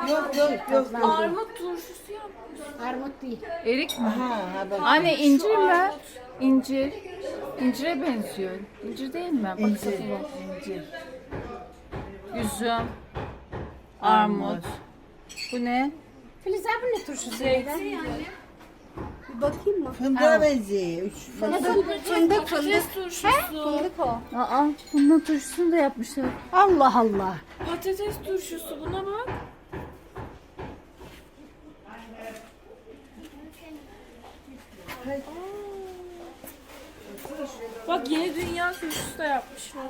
Yok. Armut turşusu yapmış. Armut değil. Erik mi? Ha bak. Anne incir mi? İncir. İncire benziyor. İncir değil mi? Bak İncir. satılı. İncir. Üzüm. Armut. Bu ne? Filiz abi ne turşusu? Bir bakayım mı? Fındığa benziyor. Fındık. Patates turşusu. Fındık o. Aa, bunun turşusunu da yapmışlar. Allah Allah. Patates turşusu buna bak. Bak yeni dünya turşusu da yapmışlar.